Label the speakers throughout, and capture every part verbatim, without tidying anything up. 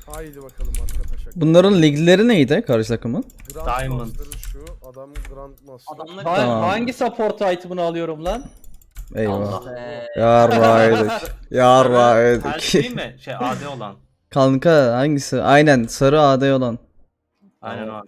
Speaker 1: Haydi bakalım arkadaşlar.
Speaker 2: Bunların ligleri neydi karşı takımın?
Speaker 3: Diamond.
Speaker 1: Şu adam Grandmaster.
Speaker 4: Adamlar
Speaker 5: Ha-
Speaker 2: Tamam.
Speaker 5: Hangi support item'ını alıyorum lan?
Speaker 2: Eyvah.
Speaker 4: Allah be.
Speaker 2: Yarraydık.
Speaker 3: Her
Speaker 2: Yarraydık.
Speaker 3: şey mi? Şey A D olan.
Speaker 2: Kanka hangisi? Aynen sarı A D olan.
Speaker 3: Aynen o.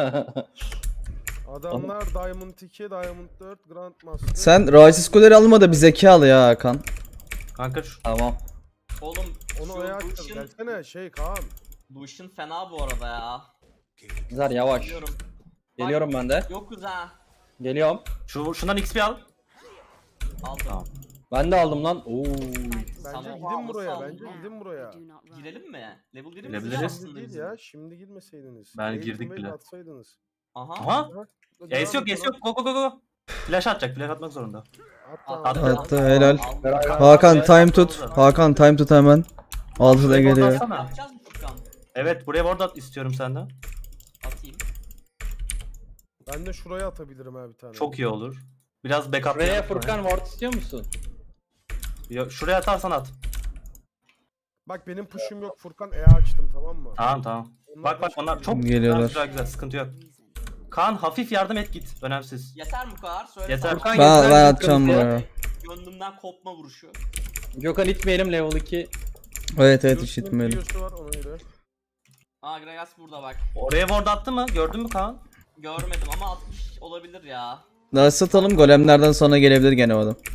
Speaker 1: Adamlar Diamond iki, Diamond dört, Grandmaster.
Speaker 2: Sen Rasis Kuleri alma da bir zeka al ya Hakan.
Speaker 3: Kanka şu
Speaker 5: Tamam.
Speaker 4: Oğlum
Speaker 1: Onu
Speaker 4: şu
Speaker 1: ayağa açacağız.
Speaker 4: Lucian,
Speaker 1: Gelsene şey Kaan.
Speaker 4: Lucian fena bu arada ya.
Speaker 5: Güzel yavaş.
Speaker 4: Geliyorum.
Speaker 5: Geliyorum ben de.
Speaker 4: Yokuz ha.
Speaker 5: Geliyorum.
Speaker 3: şu şundan X P al.
Speaker 4: Aldım.
Speaker 3: Tamam.
Speaker 5: Ben de aldım lan. Oo.
Speaker 1: Bence
Speaker 4: Tamam,
Speaker 1: gidin
Speaker 4: alması
Speaker 1: buraya.
Speaker 4: aldım.
Speaker 1: Bence gidin buraya.
Speaker 4: Girelim mi? Level girelim
Speaker 3: Girebiliriz.
Speaker 1: Şimdi değil ya. Şimdi girmeseydiniz.
Speaker 3: Ben
Speaker 1: Eğitim
Speaker 3: girdik
Speaker 1: ve
Speaker 3: bile.
Speaker 1: Atsaydınız.
Speaker 4: Aha.
Speaker 3: Aha.
Speaker 1: Devam
Speaker 3: Ace yok,
Speaker 1: et
Speaker 3: ace yok. Go go go go. Flash atacak, flash atmak zorunda.
Speaker 1: Hatta
Speaker 4: Attı.
Speaker 2: Attı, helal.
Speaker 4: Aldım.
Speaker 2: Hakan time tut. Hakan time tut hemen. Altıda
Speaker 3: Şuraya ward
Speaker 2: geliyor.
Speaker 3: atsana.
Speaker 4: Yapacağız mı Furkan?
Speaker 3: Evet, buraya ward at istiyorum senden.
Speaker 4: Atayım.
Speaker 1: ben de şuraya atabilirim ha bir tane.
Speaker 3: Çok iyi olur. Biraz backup.
Speaker 5: Şuraya
Speaker 3: yapalım.
Speaker 5: Furkan ward istiyor musun?
Speaker 3: Yo, şuraya atarsan at.
Speaker 1: Bak benim push'um yok Furkan. E açtım tamam mı?
Speaker 3: Tamam tamam.
Speaker 1: Onlar
Speaker 3: Bak
Speaker 1: da
Speaker 3: bak onlar çok
Speaker 2: Geliyorlar.
Speaker 3: güzel güzel sıkıntı yok. Kaan hafif yardım et git. Önemsiz.
Speaker 4: Yeter mi bu kadar? Söyle.
Speaker 3: Yeter.
Speaker 4: sana.
Speaker 5: Furkan
Speaker 2: Ben,
Speaker 5: yeter,
Speaker 2: ben
Speaker 5: sıkıntı
Speaker 2: atacağım
Speaker 5: yok.
Speaker 2: buraya.
Speaker 4: Gönlümden kopma vuruşu.
Speaker 5: Gökhan itmeyelim level iki.
Speaker 2: Evet evet
Speaker 1: Lucian'ın
Speaker 2: işitmeyelim.
Speaker 1: videosu var ona göre.
Speaker 4: Aa Gragas burada bak.
Speaker 3: Oraya ward attı mı? Gördün mü Kaan?
Speaker 4: Görmedim ama atmış olabilir ya.
Speaker 2: Daha satalım, golemlerden sonra gelebilir gene o adam.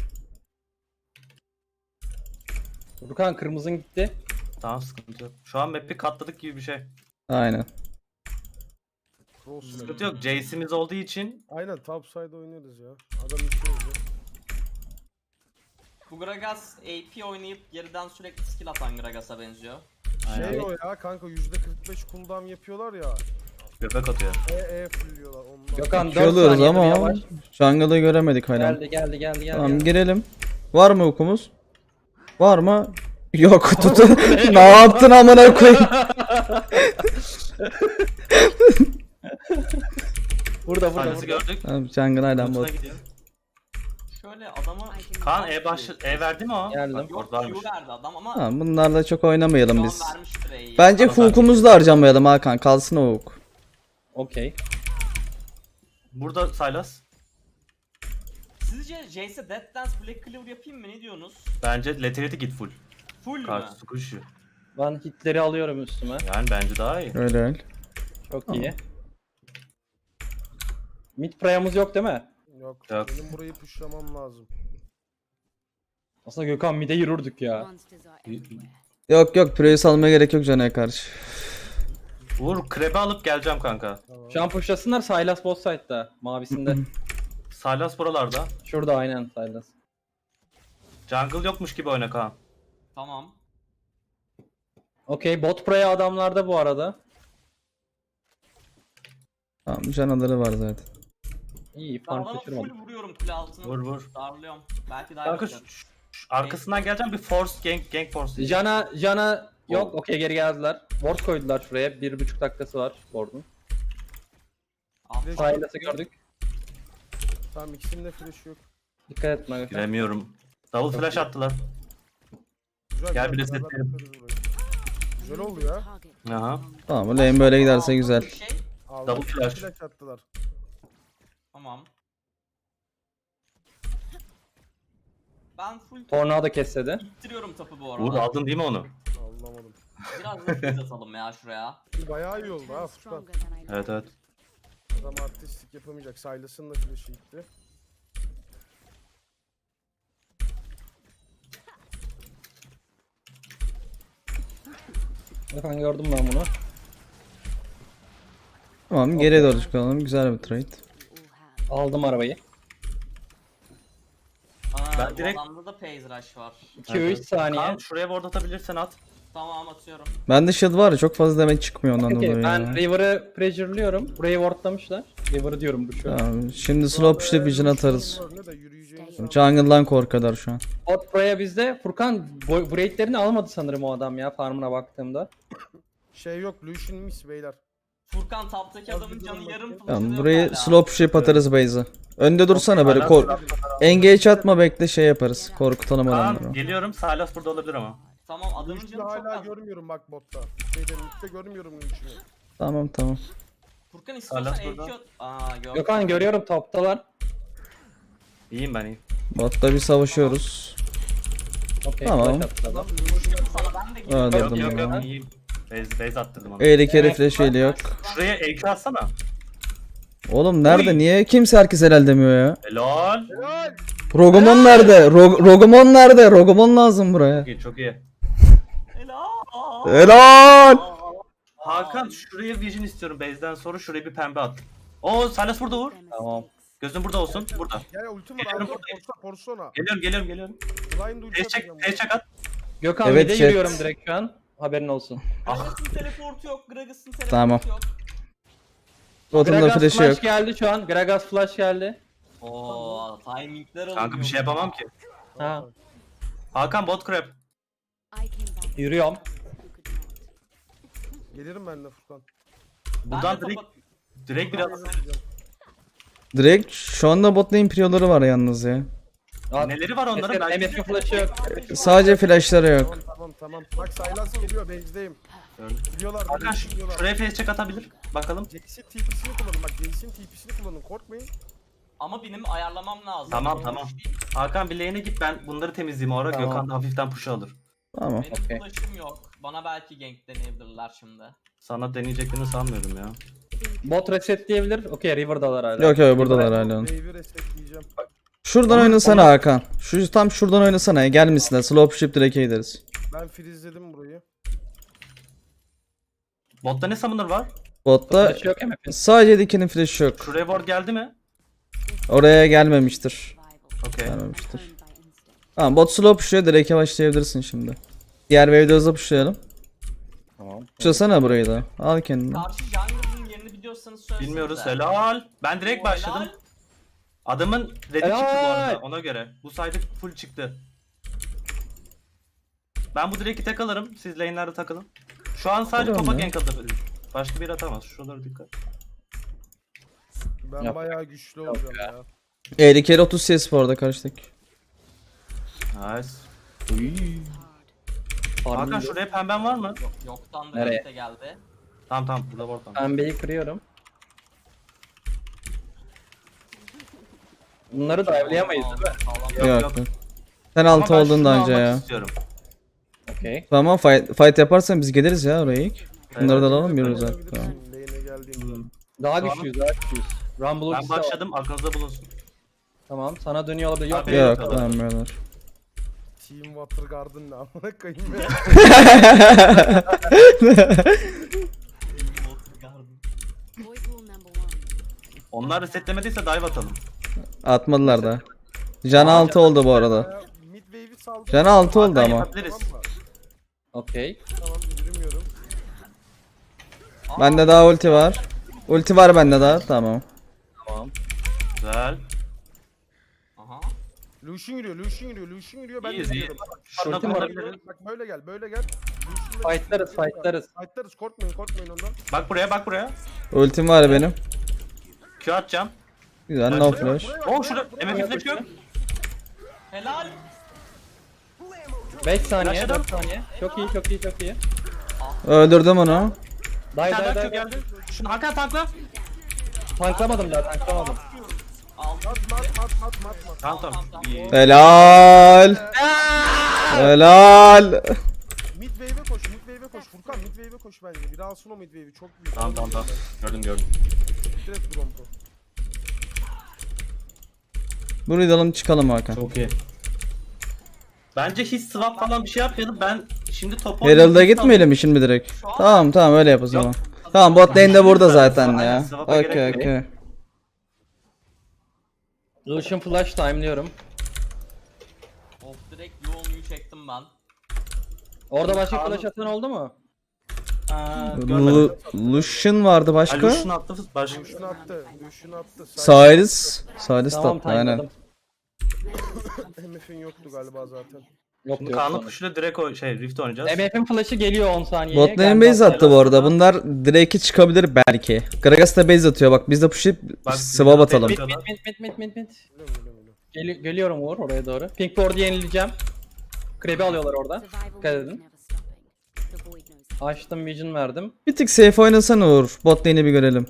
Speaker 5: Furkan kırmızın gitti.
Speaker 3: Tamam sıkıntı yok. Şu an map'i katladık gibi bir şey.
Speaker 2: Aynen.
Speaker 1: Cross
Speaker 3: Sıkıntı yok. Jace'imiz olduğu için
Speaker 1: Aynen topside oynuyoruz ya. Adam içiyoruz ya.
Speaker 4: Bu Gragas A P oynayıp geriden sürekli skill atan Gragas'a benziyor.
Speaker 1: Şey
Speaker 3: Aynen.
Speaker 1: o ya kanka yüzde kırk beş cooldown yapıyorlar ya.
Speaker 3: göbek atıyor.
Speaker 1: E E fullüyorlar ondan.
Speaker 5: Gökhan
Speaker 2: İki
Speaker 5: dört
Speaker 2: alıyoruz
Speaker 5: saniye
Speaker 2: ama
Speaker 5: yavaş.
Speaker 2: jungle'ı göremedik hala.
Speaker 5: Geldi geldi geldi geldi.
Speaker 2: Tamam
Speaker 5: geldi.
Speaker 2: girelim. Var mı okumuz? Var mı? Yok tutun. Ne yaptın amına koyayım?
Speaker 5: Burada burada
Speaker 3: Sahnesi
Speaker 5: burada.
Speaker 3: gördük.
Speaker 2: Tamam jungle hala
Speaker 3: Kutuna
Speaker 2: bot.
Speaker 3: gidiyor.
Speaker 4: Şöyle adama...
Speaker 3: Kaan E başı E verdi mi o?
Speaker 5: Geldim.
Speaker 3: Bak,
Speaker 4: Yok
Speaker 3: orada varmış.
Speaker 4: Q verdi adam ama
Speaker 2: Tamam bunlarla çok oynamayalım
Speaker 4: şu
Speaker 2: biz.
Speaker 4: an vermiştir E'yi.
Speaker 2: Bence
Speaker 3: Tamam,
Speaker 2: hook'umuzu da harcamayalım Hakan. Kalsın o hook.
Speaker 5: Okey.
Speaker 3: Burada Sylas.
Speaker 4: Sizce Jace'e Death Dance Black Clover yapayım mı? Ne diyorsunuz?
Speaker 3: Bence Lethality git full.
Speaker 4: Full mü?
Speaker 3: Karşı squishy.
Speaker 5: Ben hitleri alıyorum üstüme.
Speaker 3: Yani bence daha iyi.
Speaker 2: Öyle öyle.
Speaker 5: Çok iyi. Mid prayamız yok değil mi?
Speaker 1: Yok.
Speaker 3: Yok.
Speaker 1: Benim burayı pushlamam lazım.
Speaker 5: Aslında Gökhan mid'e yürürdük ya.
Speaker 2: Yok yok Prius almaya gerek yok Can'a karşı.
Speaker 3: Uğur krebe alıp geleceğim kanka.
Speaker 1: Tamam.
Speaker 5: Şu an pushlasınlar Sylas bot side'da. Mavisinde.
Speaker 3: Sylas buralarda.
Speaker 5: Şurada aynen Sylas.
Speaker 3: Jungle yokmuş gibi oyna Kaan.
Speaker 4: Tamam.
Speaker 5: Okey bot praya adamlarda bu arada.
Speaker 2: Tamam canaları var zaten.
Speaker 5: İyi
Speaker 4: Ben
Speaker 5: farm
Speaker 4: adama
Speaker 5: kaçırmadım.
Speaker 4: full vuruyorum kule altına.
Speaker 3: Vur vur.
Speaker 4: Darlıyorum. Belki daha
Speaker 3: Kanka
Speaker 4: yapacağım.
Speaker 3: şu, şu- şu arkasından geleceğim bir force gank gank force.
Speaker 5: Jana, Jana yok.
Speaker 3: Oh.
Speaker 5: Okey geri geldiler. Ward koydular şuraya. Bir buçuk dakikası var ward'un.
Speaker 4: Ah,
Speaker 5: Sylas'ı gördük.
Speaker 1: Tamam ikisinin de flash yok.
Speaker 5: Dikkat etme Gökhan.
Speaker 3: Giremiyorum. Double flash attılar.
Speaker 1: Güzel,
Speaker 3: Gel
Speaker 1: güzel,
Speaker 3: bir de
Speaker 1: beraber
Speaker 3: setleyelim.
Speaker 1: yaparız burayı. Güzel oldu ya.
Speaker 3: Aha.
Speaker 2: Tamam bu lane böyle giderse güzel.
Speaker 4: Bir şey.
Speaker 1: Aldık,
Speaker 3: Double flash.
Speaker 1: flash attılar.
Speaker 4: Tamam. Ben full
Speaker 5: Tornado kessedi.
Speaker 4: ittiriyorum tapı bu
Speaker 3: Uğur
Speaker 4: arada.
Speaker 3: aldın değil mi onu?
Speaker 1: Anlamadım.
Speaker 4: Biraz da freeze atalım ya şuraya.
Speaker 1: Bayağı iyi oldu ha Furkan.
Speaker 3: Evet evet.
Speaker 1: Adam artistik yapamayacak. Silas'ın da flash'ı gitti.
Speaker 5: Gökhan gördüm ben bunu.
Speaker 2: Tamam geriye doğru çıkalım. Güzel bir trade.
Speaker 5: Aldım arabayı.
Speaker 4: Aa,
Speaker 3: Ben
Speaker 4: bu
Speaker 3: direkt-
Speaker 4: adamda da phase rush var.
Speaker 5: iki üç saniye.
Speaker 3: Kaan şuraya ward atabilirsen at.
Speaker 4: Tamam atıyorum.
Speaker 2: Bende shield var ya çok fazla demek çıkmıyor ondan
Speaker 5: Okey
Speaker 2: dolayı
Speaker 5: ben
Speaker 2: ya.
Speaker 5: River'ı pressure'lıyorum. Burayı wardlamışlar. River'ı diyorum bu şu an.
Speaker 2: Tamam, şimdi slow push'la vision atarız.
Speaker 1: Ne de yürüyeceğini sandım.
Speaker 2: Jungle'dan korkadar şu an.
Speaker 5: Bot buraya bizde. Furkan bu raidlerini almadı sanırım o adam ya farmına baktığımda.
Speaker 1: Şey yok Lucian miss beyler.
Speaker 4: Furkan taptaki adamın
Speaker 1: bir
Speaker 4: canı
Speaker 1: durun
Speaker 4: yarım
Speaker 1: bakayım.
Speaker 4: flash
Speaker 2: Tamam
Speaker 4: yok
Speaker 2: burayı
Speaker 4: hala.
Speaker 2: slow push yap atarız base'e. Önde dursana böyle
Speaker 3: Hala
Speaker 2: kor
Speaker 3: taraf-
Speaker 2: engage atma bekle şey yaparız. Korkutalım
Speaker 3: Kaan
Speaker 2: adamları.
Speaker 3: geliyorum. Sylas burada olabilir ama.
Speaker 4: Tamam adamın
Speaker 1: Lucian'ı
Speaker 4: canı çok
Speaker 1: hala
Speaker 4: az.
Speaker 1: görmüyorum bak botta. Şeyden mitte görmüyorum Lucian'ı.
Speaker 2: Tamam tamam.
Speaker 4: Furkan istiyorsan
Speaker 3: Silas burada.
Speaker 4: E Q... Aa yok.
Speaker 5: Gökhan görüyorum toptalar.
Speaker 3: İyiyim ben iyiyim.
Speaker 2: Botta bir savaşıyoruz.
Speaker 5: Okey.
Speaker 2: Tamam.
Speaker 5: flash attı adam.
Speaker 4: Sana ben de geliyorum.
Speaker 2: Evet.
Speaker 3: Yok
Speaker 2: Öldürdüm
Speaker 3: yok
Speaker 2: ya.
Speaker 3: yok iyiyim. Base, base attırdım onu.
Speaker 2: Eğri kere
Speaker 5: Evet.
Speaker 2: flash eli yok.
Speaker 3: Şuraya E Q atsana.
Speaker 2: Oğlum nerede?
Speaker 3: Oy.
Speaker 2: Niye kimse herkes helal demiyor ya?
Speaker 3: Helal.
Speaker 1: Helal.
Speaker 2: Rogomon nerede? Rog- Rogomon nerede? Rogomon lazım buraya.
Speaker 3: Çok iyi çok iyi.
Speaker 4: Helal.
Speaker 2: Helal.
Speaker 3: Hakan şuraya vision istiyorum base'den sonra şuraya bir pembe at. Oo Silas burada vur.
Speaker 5: Tamam.
Speaker 3: Gözün burada olsun. Burada.
Speaker 1: Gel ultim var
Speaker 3: Geliyorum
Speaker 1: abi.
Speaker 3: buradayım.
Speaker 1: Porsa porsona.
Speaker 3: Geliyorum geliyorum geliyorum.
Speaker 1: Blind ulti
Speaker 3: Face check,
Speaker 1: atacağım.
Speaker 3: face check at.
Speaker 5: Gökhan
Speaker 2: Evet,
Speaker 5: bir de
Speaker 2: chat.
Speaker 5: yürüyorum direkt şu an. Haberin olsun.
Speaker 4: Gragas'ın teleportu yok. Gragas'ın teleportu
Speaker 2: Tamam.
Speaker 4: yok.
Speaker 2: Botunda
Speaker 5: Gragas
Speaker 2: flash'ı
Speaker 5: flash
Speaker 2: yok.
Speaker 5: geldi şu an. Gragas flash geldi.
Speaker 4: Oo, timingler alınıyor.
Speaker 3: Kanka bir şey yapamam ki.
Speaker 5: Ha.
Speaker 3: Hakan bot crab.
Speaker 5: Yürüyorum.
Speaker 1: Gelirim ben de Furkan.
Speaker 4: Ben
Speaker 3: Buradan
Speaker 4: de
Speaker 3: direkt
Speaker 4: topa-
Speaker 3: direkt bir at.
Speaker 2: Direkt şu anda bot lane priyoları var yalnız ya.
Speaker 5: Aa,
Speaker 3: Neleri var onların?
Speaker 5: mesela
Speaker 3: Belki
Speaker 5: M F'in flash'ı yok.
Speaker 2: Sadece flashları yok.
Speaker 1: Tamam tamam tamam. Bak Sylas geliyor base'deyim.
Speaker 3: Gördüm.
Speaker 1: Biliyorlar.
Speaker 3: Hakan
Speaker 1: beni biliyorlar.
Speaker 3: şuraya face check atabilir. Bakalım.
Speaker 1: Jax'in T P'sini kullanın bak. Jax'in T P'sini kullanın korkmayın.
Speaker 4: Ama benim ayarlamam lazım.
Speaker 3: Tamam,
Speaker 4: Benim
Speaker 3: tamam.
Speaker 4: push değil.
Speaker 3: Hakan bir lane'e git ben bunları temizleyeyim o ara.
Speaker 5: Tamam.
Speaker 3: Gökhan da hafiften push alır.
Speaker 2: Tamam.
Speaker 4: Benim
Speaker 5: Okey.
Speaker 4: flash'ım yok. Bana belki gank deneyebilirler şimdi.
Speaker 3: Sana deneyeceklerini sanmıyorum ya.
Speaker 5: Bot reset diyebilir. Okey River'dalar hala.
Speaker 2: Yok yok buradalar hala. onun.
Speaker 1: Wave'i resetleyeceğim.
Speaker 2: Şuradan oynasana Hakan. Şu tam şuradan oynasana ya. Gelmişsinler. Slow push direk'e gideriz.
Speaker 1: Ben freezeledim burayı.
Speaker 3: Botta ne summoner var?
Speaker 2: Botta
Speaker 5: Flash yok M F'in.
Speaker 2: sadece dikinin flash'ı yok.
Speaker 3: Şuraya ward geldi mi?
Speaker 2: Oraya gelmemiştir.
Speaker 3: Okey.
Speaker 2: Gelmemiştir. Tamam bot slow push'luyor. Direk'e başlayabilirsin şimdi. Diğer wave'de hızlı pushlayalım.
Speaker 5: Tamam.
Speaker 2: Pushlasana burayı da. Al kendini.
Speaker 4: Karşı jungle'ın yerini biliyorsanız söylesenize.
Speaker 3: Bilmiyoruz helal. Ben direkt
Speaker 4: Oo,
Speaker 3: başladım.
Speaker 4: helal.
Speaker 3: Adamın red'i
Speaker 5: Helal.
Speaker 3: çıktı bu arada ona göre. Bu sayede full çıktı. Ben bu direk'i tek alırım. Siz lane'lerde takılın. Şu an sadece
Speaker 2: Tamam
Speaker 3: topa
Speaker 2: ya.
Speaker 3: gank atabilir. Başka biri atamaz. Şuralara dikkat.
Speaker 1: Ben
Speaker 5: Yap.
Speaker 1: bayağı güçlü olacağım
Speaker 5: ya.
Speaker 1: ya.
Speaker 2: elli kere otuz C S bu arada karşıdaki.
Speaker 3: Nice.
Speaker 5: Farming
Speaker 3: Hakan
Speaker 5: yok.
Speaker 3: şuraya pemben var mı?
Speaker 4: Yok, yoktan da
Speaker 5: Nereye?
Speaker 4: Nereye? geldi.
Speaker 3: Tamam tamam burada ward tamam.
Speaker 5: Pembeyi kırıyorum. Bunları dive'layamayız değil mi?
Speaker 4: Sağlam.
Speaker 3: Yok,
Speaker 2: Yok.
Speaker 3: yok.
Speaker 2: Sen
Speaker 3: Ama
Speaker 2: altı
Speaker 3: ben
Speaker 2: oldun
Speaker 3: şunu
Speaker 2: da
Speaker 3: almak
Speaker 2: önce ya.
Speaker 3: istiyorum.
Speaker 5: Okey.
Speaker 2: Tamam fight, fight yaparsan biz geliriz ya oraya ilk. Bunları da alalım yürürüz zaten. Tamam.
Speaker 1: Lane'e geldiğimde.
Speaker 5: Daha
Speaker 3: Tamam.
Speaker 5: güçlüyüz, daha güçlüyüz. Rumble
Speaker 3: Ben
Speaker 5: ultisi de var.
Speaker 3: başladım aklınızda bulunsun.
Speaker 5: Tamam, sana dönüyor olabilir. Yok,
Speaker 3: Abi,
Speaker 2: Yok
Speaker 3: Tamam.
Speaker 2: vermiyorlar.
Speaker 1: Team Water Garden ne amına koyayım ya.
Speaker 3: Onlar resetlemediyse dive atalım.
Speaker 2: Atmadılar da. Can altı oldu bu arada.
Speaker 1: Ya, Mid wave'i saldım.
Speaker 2: Can altı oldu
Speaker 3: Hakan
Speaker 2: ama.
Speaker 3: yapabiliriz.
Speaker 1: Tamam mı?
Speaker 5: Okey.
Speaker 1: Tamam yürümüyorum.
Speaker 2: Bende daha ulti var. Ulti var bende daha. Tamam.
Speaker 5: Tamam.
Speaker 3: Güzel.
Speaker 4: Aha.
Speaker 1: Lucian yürüyor, Lucian yürüyor, Lucian yürüyor. Ben de
Speaker 3: İyiyiz iyi.
Speaker 1: yürüyorum.
Speaker 3: Şurada
Speaker 5: Ultim var.
Speaker 3: kullanabiliriz.
Speaker 1: Bak böyle gel, böyle gel. Lucian'la-
Speaker 5: Fightlarız, fightlarız.
Speaker 1: Fightlarız, korkmayın, korkmayın ondan.
Speaker 3: Bak buraya bak buraya.
Speaker 2: Ultim var benim.
Speaker 3: Q atacağım.
Speaker 2: Güzel no
Speaker 3: Buraya
Speaker 2: flash.
Speaker 1: Buraya bak,
Speaker 3: Oo
Speaker 1: buraya
Speaker 3: şurada
Speaker 1: bak, buraya
Speaker 3: M F
Speaker 1: bak.
Speaker 3: flip yok.
Speaker 4: Helal.
Speaker 5: beş saniye,
Speaker 3: Yaşadım.
Speaker 5: dört saniye. Çok iyi, çok iyi, çok iyi.
Speaker 2: Öldürdüm onu.
Speaker 5: Day
Speaker 3: Bir tane
Speaker 5: day
Speaker 3: daha Q
Speaker 5: day.
Speaker 3: geldi. Şunu Hakan tankla.
Speaker 5: Tanklamadım daha, tanklamadım.
Speaker 4: Aldım.
Speaker 1: Mat, mat, mat, mat, mat, mat.
Speaker 3: Tamam tamam. İyi.
Speaker 2: Helal. Helal.
Speaker 1: Mid wave'e koş, mid wave'e koş. Furkan mid wave'e koş bence. Bir alsın o mid wave'i, çok büyük.
Speaker 3: Tamam tamam tamam. Gördüm gördüm.
Speaker 1: Direkt Bronco.
Speaker 2: Burayı da alalım çıkalım Hakan.
Speaker 3: Çok iyi. Bence hiç swap falan bir şey yapmayalım. Ben şimdi topu...
Speaker 2: Herald'a gitmeyelim mi şimdi direkt? Tamam tamam öyle yap o zaman. Tamam bot lane de burada zaten ya.
Speaker 3: Aynen, swap'a
Speaker 2: Okey
Speaker 3: gerek yok.
Speaker 2: okey.
Speaker 5: Lucian flash time'lıyorum.
Speaker 4: Of direkt yoğunluğu çektim ben.
Speaker 5: Orada başka
Speaker 3: Kaan-
Speaker 5: flash atan oldu mu?
Speaker 3: Aa,
Speaker 2: Lu
Speaker 3: görmedim.
Speaker 2: Lucian vardı başka.
Speaker 3: Lucian attı. Başka.
Speaker 1: Lucian attı, Lucian attı.
Speaker 2: Cyrus. Cyrus
Speaker 5: Tamam,
Speaker 2: tatlı aynen.
Speaker 5: timeladım.
Speaker 1: M F'in yoktu galiba zaten.
Speaker 5: Yok
Speaker 3: Şimdi
Speaker 5: yok.
Speaker 3: Kaan'ın
Speaker 5: sonra.
Speaker 3: kuşuyla direkt o şey Rift oynayacağız.
Speaker 5: M F'in flash'ı geliyor on saniyeye.
Speaker 2: Bot lane
Speaker 5: Gelmez.
Speaker 2: base attı bu arada. Bunlar Drake'i çıkabilir belki. Gragas da base atıyor bak biz de push'layıp
Speaker 3: Bak,
Speaker 2: swap atalım.
Speaker 5: Mid mid mid mid mid mid mid.
Speaker 1: Biliyorum, biliyorum, biliyorum.
Speaker 5: Gel geliyorum Uğur oraya doğru. Pink Ward'u yenileyeceğim. Krab'i alıyorlar orada. Dikkat edin. Açtım vision verdim.
Speaker 2: Bir tık safe oynasana Uğur. Bot lane'i bir görelim.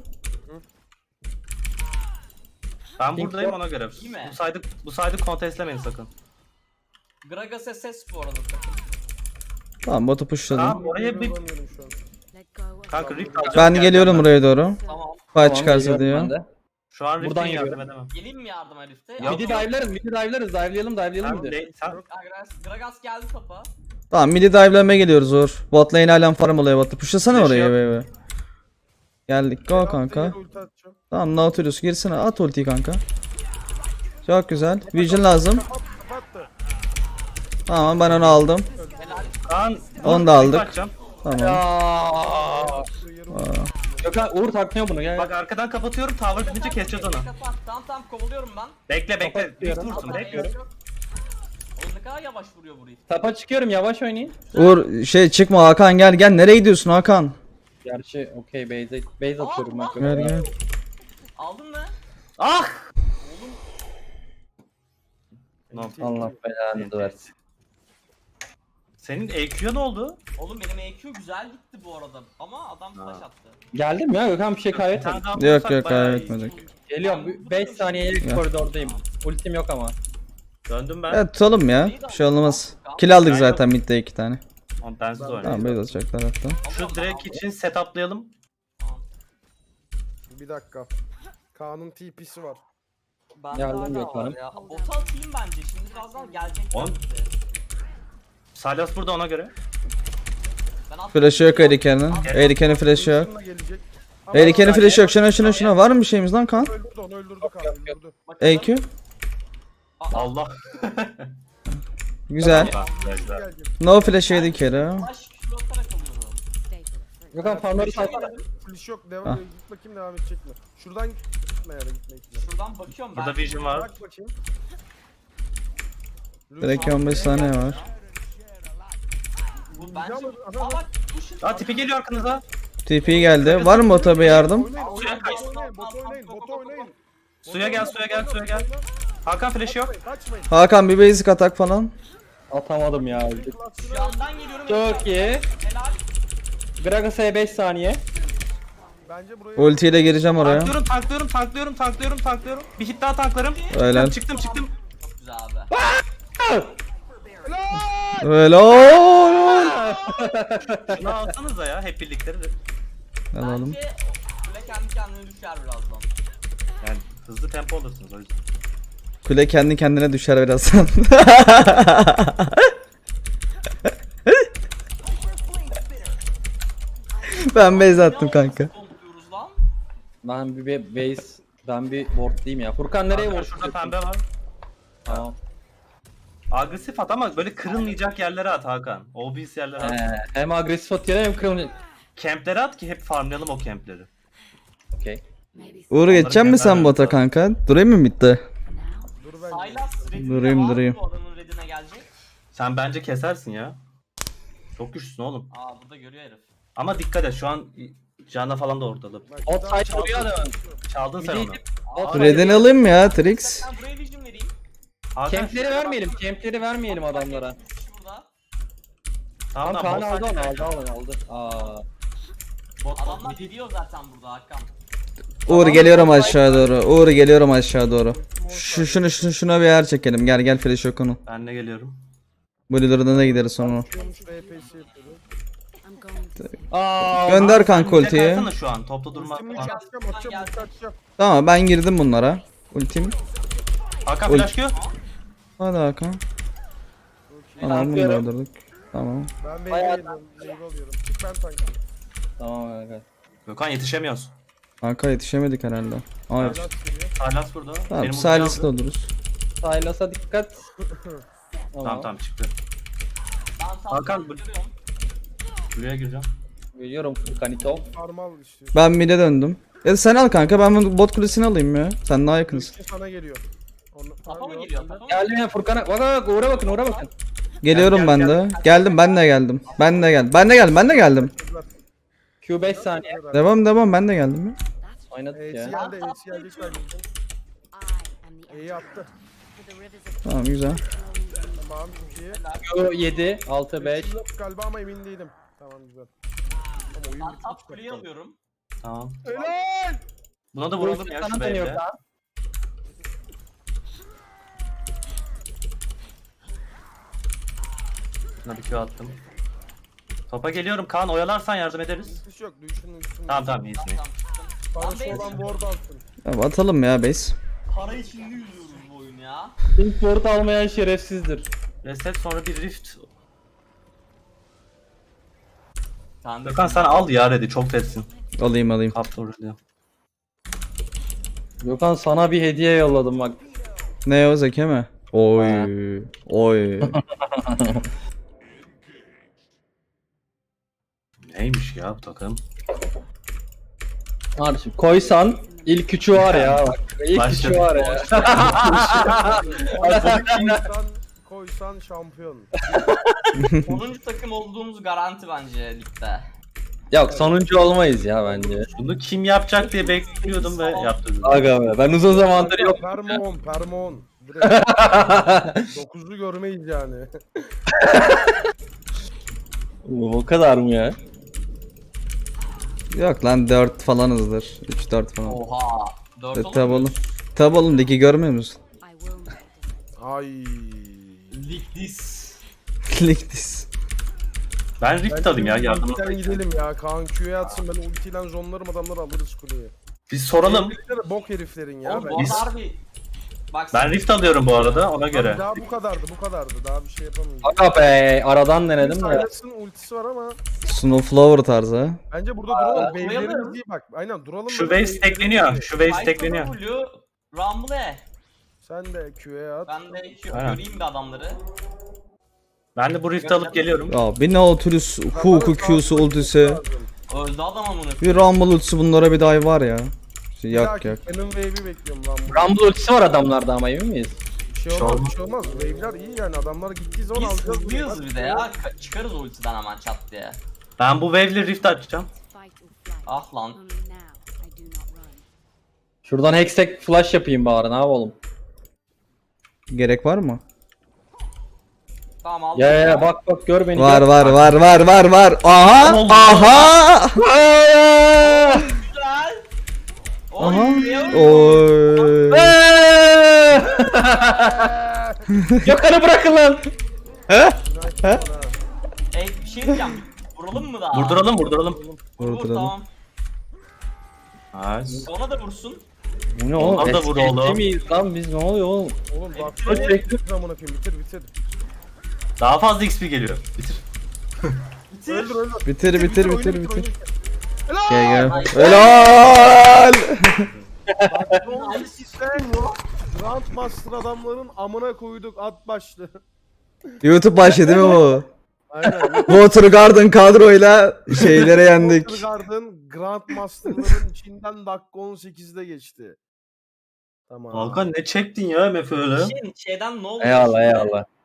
Speaker 3: Ben
Speaker 5: Pink
Speaker 3: buradayım
Speaker 5: yok.
Speaker 3: ona göre.
Speaker 4: İyi mi?
Speaker 3: Bu saydı bu saydı kontestlemeyin sakın.
Speaker 4: Gragas S S bu arada takım.
Speaker 2: Tamam botu pushladım.
Speaker 3: Tamam oraya bir
Speaker 1: Bulamıyorum şu an.
Speaker 3: kanka rift alacağım.
Speaker 2: Ben
Speaker 3: geleceğim
Speaker 2: geliyorum
Speaker 3: ben.
Speaker 2: buraya doğru.
Speaker 4: Tamam.
Speaker 2: Fight
Speaker 5: Tamam,
Speaker 2: çıkarsa
Speaker 5: geliyorum ben
Speaker 2: diyor.
Speaker 5: de.
Speaker 3: Şu an
Speaker 5: Buradan
Speaker 3: rift'e yardım
Speaker 5: geliyorum.
Speaker 3: edemem.
Speaker 4: Geleyim mi yardım herifte?
Speaker 3: Yok,
Speaker 5: Midi
Speaker 3: yok.
Speaker 5: dive'larız, midi dive'larız, dive'layalım, dive'layalım
Speaker 3: Sen,
Speaker 5: midi.
Speaker 3: de, sen
Speaker 4: Gragas, Gragas geldi topa.
Speaker 2: Tamam midi dive'lamaya geliyoruz Uğur. Bot lane halen farm oluyor botta. Pushlasana
Speaker 3: Flash
Speaker 2: oraya
Speaker 3: yok.
Speaker 2: be. Geldik go kanka.
Speaker 1: Yere ulti atacağım.
Speaker 2: Tamam Nautilus girsene at ultiyi kanka. Çok güzel. Vision lazım.
Speaker 1: Kapat, kapattı.
Speaker 2: Tamam ben onu aldım.
Speaker 3: Kaan,
Speaker 2: Onu da aldık.
Speaker 3: bakacağım.
Speaker 2: Tamam.
Speaker 5: Aa.
Speaker 1: Yarım
Speaker 5: Gökhan Uğur takmıyor bunu gel.
Speaker 3: Bak arkadan kapatıyorum. Tower bitince keseceğiz onu.
Speaker 4: Kapat. Tamam tamam kovalıyorum ben.
Speaker 3: Bekle bekle. Rift
Speaker 5: Kapatıyorum.
Speaker 3: vursun
Speaker 4: Kapat,
Speaker 3: bekliyorum.
Speaker 4: yok. Oğlum ne kadar yavaş vuruyor bu herif.
Speaker 5: Tapa çıkıyorum, yavaş oynayın.
Speaker 2: Uğur şey çıkma Hakan gel gel. Nereye gidiyorsun Hakan?
Speaker 5: Gerçi okey base, base atıyorum ben.
Speaker 2: Gel gel.
Speaker 4: Aldın mı?
Speaker 3: Ah! No.
Speaker 5: Allah belanı versin.
Speaker 3: Senin E Q'ya ne oldu?
Speaker 4: Oğlum benim E Q güzel gitti bu arada ama adam flash
Speaker 3: Ha.
Speaker 4: attı.
Speaker 5: Geldim ya Gökhan bir şey
Speaker 3: Bir
Speaker 5: kaybetmedim.
Speaker 3: tane daha
Speaker 2: Yok
Speaker 3: vursak
Speaker 2: yok
Speaker 3: bayağı iyi.
Speaker 2: kaybetmedik.
Speaker 5: Geliyorum beş saniyeye
Speaker 2: Ya.
Speaker 5: koridordayım. Ultim yok ama.
Speaker 3: Döndüm ben.
Speaker 2: Evet tutalım ya. Bir şey olmaz. Kill aldık
Speaker 3: Ben
Speaker 2: zaten midde iki tane.
Speaker 3: Tamam bensiz
Speaker 2: Tamam
Speaker 3: oynayayım.
Speaker 2: base atacaklar hatta.
Speaker 3: Şu direkt için setuplayalım.
Speaker 1: Bir dakika. Kaan'ın T P'si var.
Speaker 4: Ben
Speaker 5: Geldim
Speaker 4: hala
Speaker 5: Gökhan'ım.
Speaker 4: var ya. Bota atayım bence şimdi birazdan gelecek.
Speaker 3: On. Salas burada ona göre.
Speaker 4: Ben attım.
Speaker 2: Flash'ı yok Erike'nin. Erike'nin flash'ı yok.
Speaker 1: Ultim'le gelecek. Ama
Speaker 2: Erike'nin flash'ı yok. Şuna şuna şuna. Var mı bir şeyimiz lan kan?
Speaker 1: Öldürdü onu öldürdü Kaan öldürdü.
Speaker 4: Bakalım.
Speaker 2: E Q.
Speaker 3: Allah.
Speaker 2: Güzel.
Speaker 3: Allah, güzel.
Speaker 1: Gelecek.
Speaker 2: No flash yedi kere.
Speaker 4: Flash Q atarak alıyorum.
Speaker 5: Gökhan farmları salsana.
Speaker 1: Flash yok. Devam
Speaker 2: Ah.
Speaker 1: git bakayım devam edecek mi? Şuradan gitme ya da gitme gitme.
Speaker 4: Şuradan bakıyorum ben.
Speaker 3: Burada vision var.
Speaker 1: Bak bakayım.
Speaker 2: Direkt on beş saniye var.
Speaker 4: Bu bence...
Speaker 1: Aha,
Speaker 4: Aa bak bu şu...
Speaker 3: Aa tipi geliyor arkanıza.
Speaker 2: T P geldi. Var mı bota bir yardım?
Speaker 1: Oynayın
Speaker 3: Suya
Speaker 1: oynayın
Speaker 3: kaç.
Speaker 1: bot oynayın bot oynayın bot oynayın.
Speaker 3: Suya gel suya gel suya gel. Hakan flash yok.
Speaker 1: Kaçmayın, kaçmayın.
Speaker 2: Hakan bir basic atak falan.
Speaker 5: Atamadım ya. öldük.
Speaker 1: Klasını
Speaker 4: Şu yandan geliyorum.
Speaker 5: Çok iyi.
Speaker 4: Helal.
Speaker 5: Gragas'a beş saniye.
Speaker 1: Bence buraya
Speaker 2: Ultiyle gireceğim oraya.
Speaker 3: Tanklıyorum tanklıyorum tanklıyorum tanklıyorum tanklıyorum. Bir hit daha tanklarım.
Speaker 2: Helal.
Speaker 3: Çıktım çıktım.
Speaker 4: Çok güzel abi.
Speaker 2: Helal.
Speaker 3: Şunu alsanıza ya hep birlikte.
Speaker 2: Alalım.
Speaker 4: Bence Kule kendi kendine düşer birazdan.
Speaker 3: Yani hızlı tempo olursunuz o yüzden.
Speaker 2: Kule kendi kendine düşer birazdan. Ben base attım kanka.
Speaker 4: Kontuyoruz lan.
Speaker 5: Ben bir be- base, ben bir wardlayayım ya. Furkan nereye
Speaker 3: Hakan
Speaker 5: ward?
Speaker 3: şurada pembe var.
Speaker 5: Tamam.
Speaker 3: Agresif at ama böyle kırılmayacak yerlere at Hakan. Obvious yerlere at.
Speaker 5: Ee, hem agresif atıyor hem kırmızı.
Speaker 3: Kemplere at ki hep farmlayalım o kempleri.
Speaker 5: Okey.
Speaker 2: Uğur geçecek mi sen bota kanka? Durayım mı midde?
Speaker 1: dur bence.
Speaker 4: Sylas redinde
Speaker 2: Durayım,
Speaker 4: var mı
Speaker 2: durayım.
Speaker 4: bu adamın redine gelecek?
Speaker 3: Sen bence kesersin ya. Çok güçlüsün oğlum.
Speaker 4: Aa burada görüyor herif.
Speaker 3: Ama dikkat et şu an Can'a falan da ortalık.
Speaker 1: Bak,
Speaker 5: Ot
Speaker 1: daha-
Speaker 5: side vuruyor adamın.
Speaker 3: Çaldın sen
Speaker 5: Midi-
Speaker 3: onu.
Speaker 5: Ot
Speaker 2: Red'ini alayım mı ya Trix?
Speaker 4: Ben buraya vision vereyim.
Speaker 3: Hakan,
Speaker 5: Kempleri vermeyelim, kempleri vermeyelim adamlara.
Speaker 4: Burada.
Speaker 3: Tamam
Speaker 5: Tam
Speaker 3: tamam.
Speaker 5: Kaan aldı
Speaker 3: bot
Speaker 5: onu,
Speaker 3: side-
Speaker 5: aldı onu, aldı. Aa.
Speaker 3: Bot bot
Speaker 4: Adamlar
Speaker 3: mid.
Speaker 4: gidiyor zaten burada Hakan.
Speaker 2: Uğur geliyorum aşağı doğru. Uğur geliyorum aşağı doğru. Şu şunu şunu şuna bir yer çekelim. Gel gel flash yok onun.
Speaker 3: Ben de geliyorum.
Speaker 2: Blur'dan da gideriz sonra.
Speaker 1: Çıkıyormuş, R P S yapıyordu.
Speaker 5: Aa.
Speaker 2: Gönder kanka
Speaker 3: Sen bize
Speaker 2: ultiyi.
Speaker 3: kaysana şu an topta durma.
Speaker 1: Ultimini
Speaker 3: Hakan,
Speaker 1: atacağım atacağım ulti atacağım.
Speaker 2: Tamam ben girdim bunlara. Ultim.
Speaker 3: Hakan
Speaker 2: Ult-
Speaker 3: flash Q.
Speaker 2: Hadi Hakan. Tamam bunu da öldürdük. Tamam.
Speaker 1: Ben
Speaker 5: Bayağı-
Speaker 1: wave'e alıyorum. Wave alıyorum. Çık ben tankım.
Speaker 5: Tamam evet.
Speaker 3: Gökhan yetişemiyoruz.
Speaker 2: Kanka yetişemedik herhalde. Hayır.
Speaker 1: Silas geliyor.
Speaker 3: Silas burada.
Speaker 2: Tamam
Speaker 3: Benim
Speaker 2: Silas'ı da
Speaker 3: ulti aldı.
Speaker 2: oluruz.
Speaker 5: Silas'a dikkat.
Speaker 3: Tamam tamam çıktı.
Speaker 4: Ben
Speaker 3: Hakan,
Speaker 4: Hakan
Speaker 3: bu-
Speaker 4: görüyorum.
Speaker 3: Buraya gireceğim.
Speaker 5: Biliyorum Furkanito.
Speaker 1: Parmal işte.
Speaker 2: Ben mid'e döndüm. Ya sen al kanka ben bu bot kulesini alayım ya. Sen daha yakınsın.
Speaker 1: Ulti sana geliyor. Onu,
Speaker 4: Tapa mı
Speaker 1: Abi,
Speaker 4: geliyor?
Speaker 1: yok,
Speaker 4: Tapa mı?
Speaker 5: Geldim ya Furkan'a. Bak bak uğra bakın uğra bakın.
Speaker 2: Geliyorum
Speaker 3: Gel,
Speaker 2: ben
Speaker 3: gel,
Speaker 2: de. Geldim ben de geldim. Ben de geldim. Ben de geldim. Ben de geldim.
Speaker 5: Q beş saniye.
Speaker 2: Devam devam ben de geldim ya.
Speaker 5: Oynadık
Speaker 1: E'si
Speaker 5: ya.
Speaker 1: geldi, E'si gelecek bence. E'yi attı.
Speaker 2: Tamam güzel.
Speaker 1: Tamam, çok iyi.
Speaker 5: Q yedi, altı, beş.
Speaker 1: Flash'im yok galiba ama emin değilim. Tamam güzel. Ama oyun
Speaker 4: Ben
Speaker 1: bitmiş
Speaker 4: top kuleyi
Speaker 1: çoktan.
Speaker 4: alıyorum.
Speaker 3: Tamam.
Speaker 1: Helal!
Speaker 3: Buna da vuralım ya
Speaker 5: Sana
Speaker 3: şu
Speaker 5: dönüyor
Speaker 3: wave'le.
Speaker 5: Kaan.
Speaker 3: Buna bir Q attım. Topa geliyorum Kaan, oyalarsan yardım ederiz.
Speaker 1: Hiç yok. Duyuşun duyuşun.
Speaker 3: Tamam tamam iyisin.
Speaker 4: Tamam çıktım.
Speaker 1: Parası
Speaker 4: Lan
Speaker 1: olan
Speaker 4: base-
Speaker 1: ward alsın.
Speaker 2: Ya atalım ya base.
Speaker 4: Para içinde yüzüyoruz bu oyun ya.
Speaker 5: İlk board almayan şerefsizdir.
Speaker 3: Reset sonra bir rift.
Speaker 4: Sen
Speaker 3: Gökhan sen al ya ready, çok tetsin.
Speaker 2: Alayım alayım.
Speaker 3: Kaptı oraya.
Speaker 5: Gökhan sana bir hediye yolladım bak.
Speaker 2: Ne o Zeki mi? Oy. Oy.
Speaker 3: Neymiş ya bu takım?
Speaker 5: Kardeşim koysan ilk üçü var ya bak. İlk
Speaker 3: Başladık.
Speaker 5: üçü var ya.
Speaker 1: koysan, koysan şampiyon.
Speaker 4: onuncu takım olduğumuz garanti bence ligde.
Speaker 5: Yok sonuncu olmayız ya bence.
Speaker 3: Bunu kim yapacak diye bekliyordum ve yaptı.
Speaker 5: Aga be ben uzun zamandır yok.
Speaker 1: Permon, permon. Direkt dokuzu görmeyiz yani.
Speaker 5: O kadar mı ya?
Speaker 2: Yok lan dört falanızdır. üç dört falan.
Speaker 4: Oha. dört
Speaker 2: E,
Speaker 4: olur
Speaker 2: tabi
Speaker 4: mu?
Speaker 2: oğlum. Tabi oğlum ligi görmüyor musun?
Speaker 6: I will not.
Speaker 1: Ay.
Speaker 4: Lig this.
Speaker 2: Lig dis.
Speaker 3: Ben rift alayım ya yardım.
Speaker 1: Ultiden gidelim ya. Kaan Q'ya atsın, ben ultiyle zonlarım, adamları alırız kuleyi.
Speaker 3: Biz soralım.
Speaker 1: Herifler bok heriflerin ya.
Speaker 4: Oğlum
Speaker 1: ben.
Speaker 4: bu
Speaker 3: Biz-
Speaker 4: harbi. Bak
Speaker 3: Ben rift alıyorum bu arada ona göre.
Speaker 1: Daha bu kadardı, bu kadardı. Daha bir şey yapamayız.
Speaker 5: Aga be aradan denedim de.
Speaker 1: Silas'ın ultisi var ama
Speaker 2: Snowflower tarzı ha.
Speaker 1: bence burada duralım.
Speaker 4: Aa,
Speaker 1: Wave'lerimiz
Speaker 4: koyalım.
Speaker 1: iyi bak. Aynen duralım.
Speaker 3: Şu
Speaker 1: böyle
Speaker 3: wave
Speaker 1: wave'lerimiz
Speaker 3: stackleniyor.
Speaker 1: iyi.
Speaker 3: Şu wave
Speaker 4: Python
Speaker 3: stackleniyor.
Speaker 4: W, Rumble.
Speaker 1: Sen de Q'ya at.
Speaker 4: Ben de Q
Speaker 3: Aynen.
Speaker 4: göreyim bir adamları.
Speaker 3: Ben de bu rift alıp geliyorum.
Speaker 2: Ya bir Nautilus, Hook'u, Q'su, ultisi.
Speaker 4: Öldü adam amına.
Speaker 2: Bir Rumble ultisi bunlara bir dive var ya. Yok yok.
Speaker 1: Benim wave'i bekliyorum lan. bu.
Speaker 5: Rumble ultisi var adamlarda ama emin miyiz?
Speaker 1: Bir şey olmaz, bir şey olmaz. Wave'ler iyi yani. Adamlar gittiği zaman
Speaker 4: Biz
Speaker 1: alacağız.
Speaker 4: hızlıyız bir de ya. Ka- çıkarız ultiden hemen çat diye.
Speaker 3: Ben bu wave'le rift açacağım.
Speaker 6: Fight or flight.
Speaker 4: Ah lan.
Speaker 6: Only now I do not run.
Speaker 5: Şuradan hextech flash yapayım bari ne yapalım.
Speaker 2: Gerek var mı?
Speaker 4: Tamam aldım.
Speaker 5: Ya ya ya, bak bak gör beni.
Speaker 2: Var
Speaker 5: gör.
Speaker 2: var var var var var. Aha! Aha!
Speaker 4: Güzel. Oy.
Speaker 2: Aha!
Speaker 4: ya.
Speaker 2: Oy.
Speaker 5: Eee! Gökhan'ı bırakın lan.
Speaker 4: Ey bir şey diyeceğim. Vuralım mı daha?
Speaker 3: Vurduralım vurduralım.
Speaker 4: Vur, vur,
Speaker 2: Vurduralım.
Speaker 4: tamam.
Speaker 3: Nice.
Speaker 4: Ona da vursun.
Speaker 5: Bu ne oğlum?
Speaker 3: Onlar da vur
Speaker 5: Eski
Speaker 3: oğlum.
Speaker 5: miyiz lan biz ne oluyor oğlum?
Speaker 1: Oğlum bak.
Speaker 4: Bitir,
Speaker 1: Bitir zamana koyayım. Bitir bitir.
Speaker 3: Daha fazla X P geliyor. Bitir.
Speaker 4: Bitir.
Speaker 1: Öldür öldür.
Speaker 2: Bitir bitir
Speaker 1: oyunu
Speaker 2: bitir
Speaker 1: oyunu
Speaker 2: bitir.
Speaker 1: Helal!
Speaker 2: Gel
Speaker 4: Ay.
Speaker 2: gel. Helal!
Speaker 1: Nice sistem yok. Grandmaster adamların amına koyduk at başlı.
Speaker 2: YouTube başladı değil mi bu?
Speaker 1: Aynen.
Speaker 2: Water Garden kadroyla şeylere yendik.
Speaker 1: Watergarden Grandmaster'ların içinden dakika on sekizde geçti. Tamam.
Speaker 3: Hakan ne çektin ya M F öyle?
Speaker 4: Şey, şeyden ne oldu?
Speaker 5: Eyvallah
Speaker 4: şimdi?
Speaker 5: eyvallah.